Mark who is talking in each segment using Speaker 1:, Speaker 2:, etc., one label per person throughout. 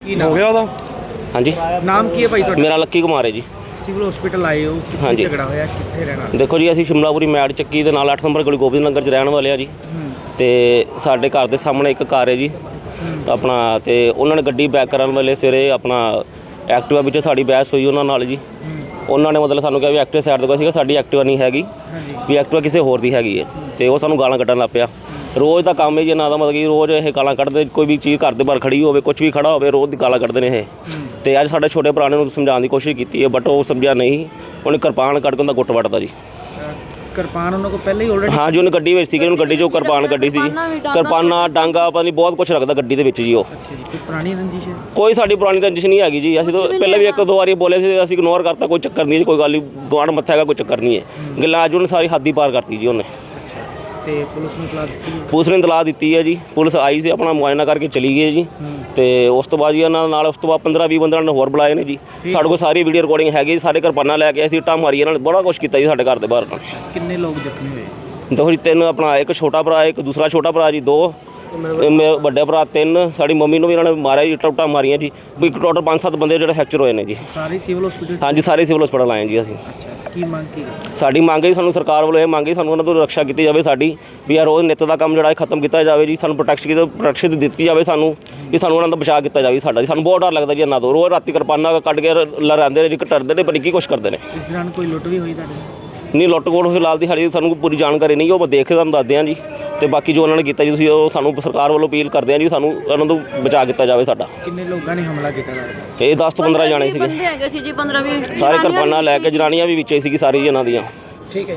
Speaker 1: ਹੋ ਗਿਆ ਉਹਦਾ। ਹਾਂਜੀ,
Speaker 2: ਨਾਮ ਕੀ ਹੈ ਭਾਈ ਤੁਹਾਡਾ?
Speaker 1: ਮੇਰਾ ਲੱਕੀ ਕੁਮਾਰ ਹੈ ਜੀ।
Speaker 2: ਸਿਵਲ ਹਸਪੀਟਲ ਆਏ ਹੋ,
Speaker 1: ਹਾਂਜੀ।
Speaker 2: ਝਗੜਾ ਹੋਇਆ, ਕਿੱਥੇ ਰਹਿਣਾ?
Speaker 1: ਦੇਖੋ ਜੀ, ਅਸੀਂ ਸ਼ਿਮਲਾਪੁਰੀ ਮੈਡ ਚੱਕੀ ਦੇ ਨਾਲ 8 ਨੰਬਰ ਗਲੀ ਗੋਬਿੰਦ ਨਗਰ 'ਚ ਰਹਿਣ ਵਾਲੇ ਆ ਜੀ। ਤੇ ਸਾਡੇ ਘਰ ਦੇ ਸਾਹਮਣੇ ਇੱਕ ਕਾਰ ਹੈ ਜੀ ਆਪਣਾ, ਤੇ ਉਹਨਾਂ ਨੇ ਗੱਡੀ ਬੈਕ ਕਰਨ ਵੇਲੇ ਸਵੇਰੇ ਆਪਣਾ ਐਕਟਿਵਾ ਵਿੱਚ ਸਾਡੀ ਬਹਿਸ ਹੋਈ ਉਹਨਾਂ ਨਾਲ ਜੀ। ਉਹਨਾਂ ਨੇ ਮਤਲਬ ਸਾਨੂੰ ਕਿਹਾ ਵੀ ਐਕਟਿਵਾ ਸਾਈਡ ਤੋਂ ਸੀਗਾ, ਸਾਡੀ ਐਕਟਿਵਾ ਨਹੀਂ ਹੈਗੀ, ਵੀ ਐਕਟਿਵਾ ਕਿਸੇ ਹੋਰ ਦੀ ਹੈਗੀ ਹੈ। ਤੇ ਉਹ ਸਾਨੂੰ ਗਾਲਾਂ ਕੱਢਣ ਲੱਗ ਪਿਆ। ਰੋਜ਼ ਦਾ ਕੰਮ ਹੈ ਜੀ ਇਹਨਾਂ ਦਾ, ਮਤਲਬ ਕਿ ਰੋਜ਼ ਇਹ ਗਾਲਾਂ ਕੱਢਦੇ, ਕੋਈ ਵੀ ਚੀਜ਼ ਘਰ ਦੇ ਬਾਹਰ ਖੜੀ ਹੋਵੇ, ਕੁਝ ਵੀ ਖੜਾ ਹੋਵੇ, ਰੋਜ਼ ਦੀ ਗਾਲਾਂ ਕੱਢਦੇ ਨੇ ਇਹ। ਤੇ ਅੱਜ ਸਾਡੇ ਛੋਟੇ ਭਰਾ ਨੇ ਉਹਨੂੰ ਸਮਝਾਉਣ ਦੀ ਕੋਸ਼ਿਸ਼ ਕੀਤੀ ਹੈ, ਬਟ ਉਹ ਸਮਝਿਆ ਨਹੀਂ। ਉਹਨੇ ਕਿਰਪਾਨ ਕੱਢ ਕੇ ਉਹਦਾ ਗੁੱਟ ਵੱਟਦਾ ਜੀ।
Speaker 2: ਕਿਰਪਾਨ ਉਹਨਾਂ ਕੋਲ ਪਹਿਲਾਂ ਹੀ ਆਲਰੇਡੀ?
Speaker 1: ਹਾਂ ਜੀ, ਉਹਨੇ ਗੱਡੀ ਵਿੱਚ ਸੀਗੇ, ਉਹਨੂੰ ਗੱਡੀ 'ਚੋਂ ਕਿਰਪਾਨ ਕੱਢੀ ਸੀ। ਕਿਰਪਾਨਾਂ, ਡਾਂਗਾ, ਪਤਾ ਨਹੀਂ ਬਹੁਤ ਕੁਝ ਰੱਖਦਾ ਗੱਡੀ ਦੇ ਵਿੱਚ ਜੀ ਉਹ।
Speaker 2: ਕੋਈ ਪੁਰਾਣੀ ਰੰਜਿਸ਼ ਹੈ?
Speaker 1: ਕੋਈ ਸਾਡੀ ਪੁਰਾਣੀ ਰੰਜਿਸ਼ ਨਹੀਂ ਹੈਗੀ ਜੀ। ਅਸੀਂ ਤਾਂ ਪਹਿਲਾਂ ਵੀ ਇੱਕ ਦੋ ਵਾਰੀ ਬੋਲੇ ਸੀ, ਅਸੀਂ ਇਗਨੋਰ ਕਰਤਾ, ਕੋਈ ਚੱਕਰ ਨਹੀਂ, ਕੋਈ ਗੱਲ ਨਹੀਂ, ਗੁਆਂਢ ਮੱਥਾ ਹੈਗਾ, ਕੋਈ ਚੱਕਰ ਨਹੀਂ ਹੈ। ਗੱਲਾਂ ਅੱਜ ਉਹਨੇ ਸਾਰੀ ਹੱਦ ਹੀ ਪਾਰ ਕਰਤੀ ਜੀ ਉਹਨੇ।
Speaker 2: ਤੇ ਪੁਲਿਸ ਨੂੰ ਇਤਲਾਹ ਦਿੱਤੀ?
Speaker 1: ਪੁਲਿਸ ਨੇ ਇਤਲਾਹ ਦਿੱਤੀ ਹੈ ਜੀ। ਪੁਲਿਸ ਆਈ ਸੀ, ਆਪਣਾ ਮੁਆਇਨਾ ਕਰਕੇ ਚਲੀ ਗਈ ਜੀ। ਤੇ ਉਸ ਤੋਂ ਬਾਅਦ ਜੀ ਇਹਨਾਂ ਨਾਲ ਉਸ ਤੋਂ ਬਾਅਦ 15-20 ਬੰਦਿਆਂ ਨੇ ਹੋਰ ਬੁਲਾਏ ਨੇ ਜੀ। ਸਾਡੇ ਕੋਲ ਸਾਰੀ ਵੀਡੀਓ ਰਿਕਾਰਡਿੰਗ ਹੈਗੀ, ਸਾਰੇ ਕਿਰਪਾਨਾਂ ਲੈ ਕੇ ਅਸੀਂ ਇੱਟਾਂ ਮਾਰੀ, ਇਹਨਾਂ ਨੇ ਬੜਾ ਕੁਛ ਕੀਤਾ ਜੀ ਸਾਡੇ ਘਰ ਦੇ ਬਾਹਰ।
Speaker 2: ਕਿੰਨੇ ਲੋਕ ਜ਼ਖਮੀ ਹੋਏ?
Speaker 1: ਦੇਖੋ ਜੀ, 3 ਆਪਣਾ, ਇੱਕ ਛੋਟਾ ਭਰਾ, ਇੱਕ ਦੂਸਰਾ ਛੋਟਾ ਭਰਾ ਜੀ, 2 ਮੇਰੇ ਵੱਡੇ ਭਰਾ, 3 ਸਾਡੀ ਮੰਮੀ ਨੂੰ ਵੀ ਇਹਨਾਂ ਨੇ ਮਾਰਿਆ ਜੀ, ਇੱਟਾਂ ਮਾਰੀਆਂ ਜੀ। ਕੋਈ ਟੋਟਲ 5-7 ਬੰਦੇ ਜਿਹੜੇ ਫ੍ਰੈਕਚਰ ਹੋਏ ਨੇ ਜੀ।
Speaker 2: ਸਾਰੇ ਸਿਵਲ ਹਸਪੀਟਲ?
Speaker 1: ਹਾਂਜੀ, ਸਾਰੇ ਸਿਵਲ ਹਸਪਤਾਲ ਆਏ ਜੀ ਅਸੀਂ।
Speaker 2: ਕੀ ਮੰਗ ਕੀ?
Speaker 1: ਸਾਡੀ ਮੰਗ ਹੈ ਸਾਨੂੰ ਸਰਕਾਰ ਵੱਲੋਂ ਇਹ ਮੰਗ ਹੈ, ਸਾਨੂੰ ਉਹਨਾਂ ਤੋਂ ਰੱਖਿਆ ਕੀਤੀ ਜਾਵੇ ਸਾਡੀ, ਵੀ ਯਾਰ ਰੋਜ਼ ਨਿੱਤ ਦਾ ਕੰਮ ਜਿਹੜਾ ਖਤਮ ਕੀਤਾ ਜਾਵੇ ਜੀ। ਸਾਨੂੰ ਪ੍ਰੋਟੈਕਸ਼ਨ ਦਿੱਤੀ ਜਾਵੇ ਸਾਨੂੰ, ਵੀ ਸਾਨੂੰ ਉਹਨਾਂ ਦਾ ਬਚਾਅ ਕੀਤਾ ਜਾਵੇ ਸਾਡਾ ਜੀ। ਸਾਨੂੰ ਬਹੁਤ ਡਰ ਲੱਗਦਾ ਜੀ ਇਹਨਾਂ ਤੋਂ। ਰੋਜ਼ ਰਾਤੀ ਕਿਰਪਾਨਾਂ ਕੱਢ ਕੇ ਲਹਿਰਾਉਂਦੇ ਨੇ ਜੀ, ਘਟਰਦੇ ਨੇ, ਪਰ ਕੀ ਕੁਛ ਕਰਦੇ ਨੇ।
Speaker 2: ਇਸ ਦੌਰਾਨ ਕੋਈ ਲੁੱਟ ਵੀ ਹੋਈ ਤੁਹਾਡੇ?
Speaker 1: ਨਹੀਂ, ਲੁੱਟ ਖੋਹ ਫਿਲਹਾਲ ਦੀ ਹਾਲੇ ਸਾਨੂੰ ਪੂਰੀ ਜਾਣਕਾਰੀ ਨਹੀਂ, ਉਹ ਦੇਖ ਕੇ ਤੁਹਾਨੂੰ ਦੱਸਦੇ ਹਾਂ ਜੀ। ਤੇ ਬਾਕੀ ਜੋ ਉਹਨਾਂ ਨੇ ਕੀਤਾ ਜੀ, ਤੁਸੀਂ ਉਹ ਸਾਨੂੰ ਸਰਕਾਰ ਵੱਲੋਂ ਅਪੀਲ ਕਰਦੇ ਹਾਂ ਜੀ, ਸਾਨੂੰ ਉਹਨਾਂ ਤੋਂ ਬਚਾਅ ਕੀਤਾ ਜਾਵੇ ਸਾਡਾ।
Speaker 2: ਕਿੰਨੇ ਲੋਕਾਂ ਨੇ ਹਮਲਾ ਕੀਤਾ?
Speaker 1: ਇਹ 10 ਤੋਂ 15 ਜਾਣੇ ਸੀਗੇ, ਸਾਰੇ ਕਿਰਪਾਨਾਂ ਲੈ ਕੇ, ਜਨਾਨੀਆਂ ਵੀ ਵਿੱਚੇ ਸੀਗੀ ਸਾਰੀ ਇਹਨਾਂ ਦੀਆਂ।
Speaker 2: ਠੀਕ ਹੈ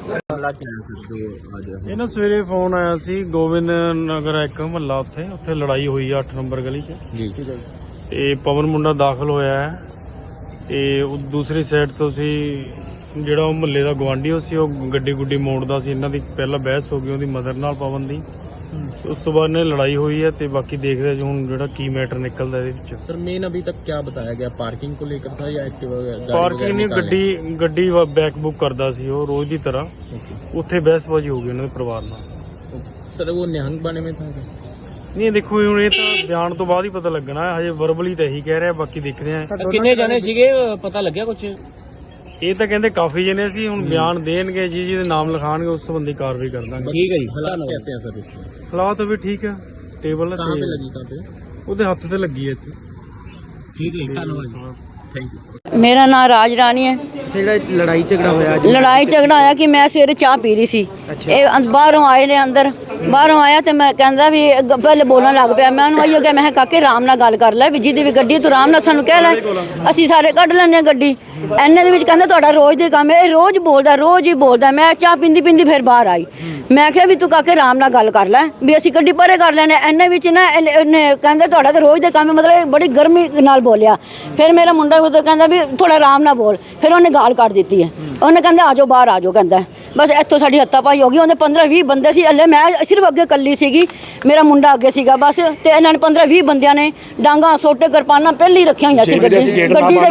Speaker 2: ਜੀ।
Speaker 3: ਇਹ ਨਾ ਸਵੇਰੇ ਫੋਨ ਆਇਆ ਸੀ, ਗੋਬਿੰਦ ਨਗਰ ਇੱਕ ਮਹੱਲਾ, ਉੱਥੇ ਲੜਾਈ ਹੋਈ ਆ 8 ਨੰਬਰ ਗਲੀ 'ਚ ਜੀ। ਤੇ ਪਵਨ ਮੁੰਡਾ ਦਾਖਲ ਹੋਇਆ ਹੈ, ਤੇ ਉਹ ਦੂਸਰੀ ਸਾਈਡ ਤੋਂ ਸੀ ਜਿਹੜਾ ਉਹ ਮਹੱਲੇ ਦਾ ਗਵਾਂਢੀ ਸੀ, ਉਹ ਗੱਡੀ ਗੁੱਡੀ ਮੋੜਦਾ ਸੀ। ਇਹਨਾਂ ਦੀ ਪਹਿਲਾਂ ਬਹਿਸ ਹੋ ਗਈ ਉਹਦੀ ਮਦਰ ਨਾਲ ਪਵਨ ਦੀ, ਉਸ ਤੋਂ ਬਾਅਦ ਨੇ ਲੜਾਈ ਹੋਈ ਹੈ। ਤੇ ਬਾਕੀ ਦੇਖਦੇ ਹਾਂ ਹੁਣ ਜਿਹੜਾ ਕੀ ਮੈਟਰ ਨਿਕਲਦਾ ਇਹਦੇ ਵਿੱਚ।
Speaker 4: सर मेन अभी तक क्या बताया गया, पार्किंग को लेकर था या एक्टिवा?
Speaker 3: ਪਾਰਕਿੰਗ ਨਹੀਂ, ਗੱਡੀ ਬੈਕ ਬੁੱਕ ਕਰਦਾ ਸੀ ਉਹ ਰੋਜ਼ ਦੀ ਤਰ੍ਹਾਂ। ਉੱਥੇ ਬਹਿਸਬਾਜ਼ੀ ਹੋ ਗਈ ਉਹਨਾਂ ਦੇ ਪਰਿਵਾਰ ਨਾਲ।
Speaker 4: सर वो निहंग बाने में था क्या?
Speaker 3: ਨਹੀਂ ਦੇਖੋ, ਹੁਣ ਇਹ ਤਾਂ ਬਿਆਨ ਤੋਂ ਬਾਅਦ ਹੀ ਪਤਾ ਲੱਗਣਾ, ਹਜੇ ਵਰਬਲੀ ਤਾਂ ਇਹੀ ਕਹਿ ਰਿਹਾ, ਬਾਕੀ ਦੇਖਦੇ ਆ।
Speaker 4: कितने जने सीगे पता लग गया कुछ?
Speaker 3: ਇਹ ਤਾਂ ਕਹਿੰਦੇ ਕਾਫੀ ਜਣੇ ਸੀ, ਹੁਣ ਬਿਆਨ ਦੇਣਗੇ ਜੀ, ਜਿਹਦੇ ਨਾਮ ਲਿਖਾਣਗੇ ਉਸ ਸੰਬੰਧੀ ਕਾਰਵਾਈ ਕਰ ਦਾਂਗੇ।
Speaker 4: ठीक है जी। हालात कैसे हैं सर इसके?
Speaker 3: ਹਾਲਾਤ ਵੀ ਠੀਕ ਹੈ, ਸਟੇਬਲ ਹੈ।
Speaker 4: कहाँ पे लगी, कहाँ पे?
Speaker 3: ਉਹਦੇ ਹੱਥ ਤੇ ਲੱਗੀ ਹੈ ਇੱਥੇ।
Speaker 4: ठीक है, धन्यवाद, थैंक यू।
Speaker 5: ਮੇਰਾ ਨਾਮ ਰਾਜ ਰਾਣੀ ਹੈ।
Speaker 2: ਜਿਹੜਾ ਲੜਾਈ ਝਗੜਾ ਹੋਇਆ ਅੱਜ?
Speaker 5: ਲੜਾਈ ਝਗੜਾ ਹੋਇਆ ਕਿ ਮੈਂ ਸਵੇਰੇ ਚਾਹ ਪੀ ਰਹੀ ਸੀ, ਇਹ ਬਾਹਰੋਂ ਆਏ ਨੇ, ਬਾਹਰੋਂ ਆਇਆ ਤੇ ਮੈਂ ਕਹਿੰਦਾ ਵੀ ਪਹਿਲੇ ਬੋਲਣ ਲੱਗ ਪਿਆ। ਮੈਂ ਉਹਨੂੰ ਆਈਓ ਕਿਹਾ, ਮੈਂ ਕਾਕੇ ਆਰਾਮ ਨਾਲ ਗੱਲ ਕਰ ਲੈ, ਵੀ ਜਿਹਦੀ ਵੀ ਗੱਡੀ ਤੂੰ ਆਰਾਮ ਨਾਲ ਸਾਨੂੰ ਕਹਿ ਲੈ, ਅਸੀਂ ਸਾਰੇ ਕੱਢ ਲੈਂਦੇ ਹਾਂ ਗੱਡੀ। ਐਨੇ ਦੇ ਵਿੱਚ ਕਹਿੰਦਾ ਤੁਹਾਡਾ ਰੋਜ਼ ਦੇ ਕੰਮ ਹੈ, ਇਹ ਰੋਜ਼ ਬੋਲਦਾ, ਰੋਜ਼ ਹੀ ਬੋਲਦਾ। ਮੈਂ ਚਾਹ ਪੀਂਦੀ ਪੀਂਦੀ ਫਿਰ ਬਾਹਰ ਆਈ, ਮੈਂ ਕਿਹਾ ਵੀ ਤੂੰ ਕਾਕੇ ਆਰਾਮ ਨਾਲ ਗੱਲ ਕਰ ਲੈ, ਵੀ ਅਸੀਂ ਗੱਡੀ ਪਰੇ ਕਰ ਲੈਣੇ। ਐਨੇ ਵਿੱਚ ਨਾ ਇਹਨੇ ਕਹਿੰਦਾ ਤੁਹਾਡਾ ਤਾਂ ਰੋਜ਼ ਦੇ ਕੰਮ ਹੈ, ਮਤਲਬ ਬੜੀ ਗਰਮੀ ਨਾਲ ਬੋਲਿਆ। ਫਿਰ ਮੇਰਾ ਮੁੰਡਾ ਉਦੋਂ ਕਹਿੰਦਾ ਵੀ ਥੋੜਾ ਆਰਾਮ ਨਾਲ ਬੋਲ, ਫਿਰ ਉਹਨੇ ਗਾਲ ਕੱਢ ਦਿੱਤੀ ਹੈ। ਉਹਨੇ ਕਹਿੰਦਾ ਆ ਜਾਓ ਬਾਹਰ ਆ ਜਾਓ, ਕਹਿੰਦਾ ਬਸ ਇੱਥੋਂ ਸਾਡੀ ਹੱਥਾਪਾਈ ਹੋ ਗਈ। ਉਹਦੇ 15-20 ਬੰਦੇ ਸੀ, ਅੱਲੇ ਮੈਂ ਸਿਰਫ ਅੱਗੇ ਇਕੱਲੀ ਸੀਗੀ, ਮੇਰਾ ਮੁੰਡਾ ਅੱਗੇ ਸੀਗਾ ਬਸ। ਤੇ ਇਹਨਾਂ ਨੇ 15-20 ਬੰਦਿਆਂ ਨੇ ਡਾਂਗਾ, ਸੋਟੇ, ਕਿਰਪਾਨਾਂ ਪਹਿਲਾਂ ਹੀ ਰੱਖੀਆਂ ਹੋਈਆਂ ਸੀ ਗੱਡੀ ਦੇ ਵਿੱਚ। ਅਸੀਂ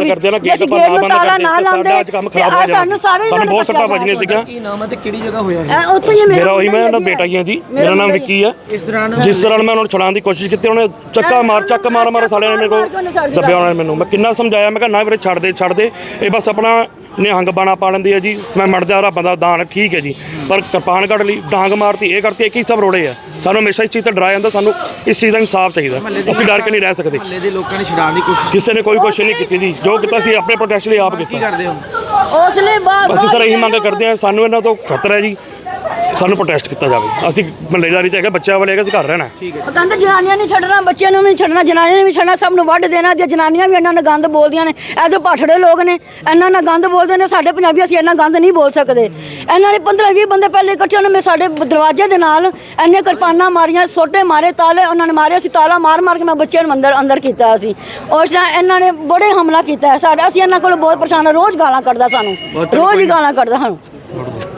Speaker 5: ਗੇਟ ਨੂੰ ਤਾਲਾ ਨਾ ਲਾਉਂਦੇ ਤੇ ਸਾਨੂੰ ਸਾਰੇ
Speaker 6: ਬਹੁਤ ਸੱਟਾਂ ਵੱਜੀਆਂ ਸੀਗੀਆਂ।
Speaker 2: ਕੀ ਨਾਮ ਹੈ ਤੇ ਕਿਹੜੀ ਜਗ੍ਹਾ ਹੋਇਆ ਹੈ?
Speaker 5: ਉੱਥੇ ਹੀ
Speaker 6: ਮੇਰਾ ਉਹੀ, ਮੈਂ ਉਹਨਾਂ ਬੇਟਾ ਹੀ ਹਾਂ ਜੀ, ਮੇਰਾ ਨਾਮ ਵਿੱਕੀ ਹੈ।
Speaker 2: ਇਸ ਦੌਰਾਨ
Speaker 6: ਜਿਸ ਤਰ੍ਹਾਂ ਮੈਂ ਉਹਨਾਂ ਨੂੰ ਛੁਡਾਉਣ ਦੀ ਕੋਸ਼ਿਸ਼ ਕੀਤੀ, ਉਹਨੇ ਚੱਕ ਮਾਰ ਸਾਲਿਆਂ ਨੇ ਮੇਰੇ ਕੋਲ ਦੱਬਿਆ। ਉਹਨਾਂ ਨੇ ਮੈਨੂੰ, ਮੈਂ ਕਿੰਨਾ ਸਮਝਾਇਆ, ਮੈਂ ਕਿਹਾ ਨਾ ਵੀਰੇ ਛੱਡ ਦੇ, ਇਹ ਬਸ ਆਪਣਾ ਨਿਹੰਗ ਬਾਣਾ ਪਾ ਲੈਂਦੀ ਹੈ ਜੀ। ਮੈਂ ਮਰ ਜਾ ਰੱਬ ਦਾ ਦਾਨ, ਠੀਕ ਹੈ ਜੀ, ਪਰ ਕਿਰਪਾਨ ਕੱਢ ਲਈ, ਡਾਂਗ ਮਾਰਤੀ, ਇਹ ਕਰਤੀ, ਇੱਕ ਹੀ ਸਭ ਰੋੜੇ ਆ। ਸਾਨੂੰ ਹਮੇਸ਼ਾ ਇਸ ਚੀਜ਼ ਤੋਂ ਡਰਾਇਆ ਜਾਂਦਾ, ਸਾਨੂੰ ਇਸ ਚੀਜ਼ ਦਾ ਇਨਸਾਫ ਚਾਹੀਦਾ। ਅਸੀਂ ਡਰ ਕੇ ਨਹੀਂ ਰਹਿ ਸਕਦੇ।
Speaker 2: ਮਹੱਲੇ ਦੇ ਲੋਕਾਂ ਨੇ ਛੁਡਾਉਣ ਦੀ ਕੋਸ਼ਿਸ਼?
Speaker 6: ਕਿਸੇ ਨੇ ਕੋਈ ਕੋਸ਼ਿਸ਼ ਨਹੀਂ ਕੀਤੀ ਜੀ, ਜੋ ਕੀਤਾ ਸੀ ਆਪਣੇ ਪ੍ਰੋਟੈਕਸ਼ਨ ਲਈ ਆਪ
Speaker 2: ਕੀ
Speaker 6: ਕੀਤਾ।
Speaker 2: ਕਰਦੇ ਹੋ?
Speaker 5: ਉਸਲੇ ਬਾਹਰ
Speaker 6: ਅਸੀਂ ਸਰ ਇਹੀ ਮੰਗ ਕਰਦੇ ਹਾਂ, ਸਾਨੂੰ ਇਹਨਾਂ ਤੋਂ ਖਤਰਾ ਹੈ ਜੀ, ਸਾਨੂੰ ਪ੍ਰੋਟੈਸਟ ਕੀਤਾ ਜਾਵੇ। ਅਸੀਂ ਮਹੱਲੇਦਾਰੀ 'ਚ ਹੈਗਾ, ਬੱਚਿਆਂ ਵਾਲੇ ਹੈਗਾ, ਅਸੀਂ ਘਰ ਰਹਿਣਾ।
Speaker 5: ਕਹਿੰਦੇ ਜਨਾਨੀਆਂ ਨਹੀਂ ਛੱਡਣਾ, ਬੱਚਿਆਂ ਨੂੰ ਨਹੀਂ ਛੱਡਣਾ, ਜਨਾਨੀਆਂ ਨੇ ਵੀ ਛੱਡਣਾ, ਸਭ ਨੂੰ ਵੱਢ ਦੇਣਾ। ਤੇ ਜਨਾਨੀਆਂ ਵੀ ਇਹਨਾਂ ਨਾਲ ਗੰਦ ਬੋਲਦੀਆਂ ਨੇ, ਇਹ ਜੋ ਪਾਠੜੇ ਲੋਕ ਨੇ, ਇਹਨਾਂ ਨਾਲ ਗੰਦ ਬੋਲਦੇ ਨੇ। ਸਾਡੇ ਪੰਜਾਬੀ ਅਸੀਂ ਇੰਨਾ ਗੰਦ ਨਹੀਂ ਬੋਲ ਸਕਦੇ। ਇਹਨਾਂ ਨੇ 15-20 ਬੰਦੇ ਪਹਿਲੇ ਇਕੱਠੇ ਹੋਣੇ, ਸਾਡੇ ਦਰਵਾਜ਼ੇ ਦੇ ਨਾਲ ਇੰਨੇ ਕਿਰਪਾਨਾਂ ਮਾਰੀਆਂ, ਸੋਟੇ ਮਾਰੇ, ਤਾਲੇ ਉਹਨਾਂ ਨੇ ਮਾਰੇ। ਅਸੀਂ ਤਾਲਾ ਮਾਰ ਕੇ ਮੈਂ ਬੱਚਿਆਂ ਨੂੰ ਅੰਦਰ ਕੀਤਾ। ਅਸੀਂ ਉਸ ਤਰ੍ਹਾਂ ਇਹਨਾਂ ਨੇ ਬੜੇ ਹਮਲਾ ਕੀਤਾ ਹੈ ਸਾਡੇ। ਅਸੀਂ ਇਹਨਾਂ ਕੋਲ ਬਹੁਤ ਪਰੇਸ਼ਾਨ ਹਾਂ, ਰੋਜ਼ ਗਾਲਾਂ ਕੱਢਦਾ ਸਾਨੂੰ, ਰੋਜ਼ ਹੀ ਗਾਲਾਂ ਕੱਢਦਾ ਸਾਨੂੰ।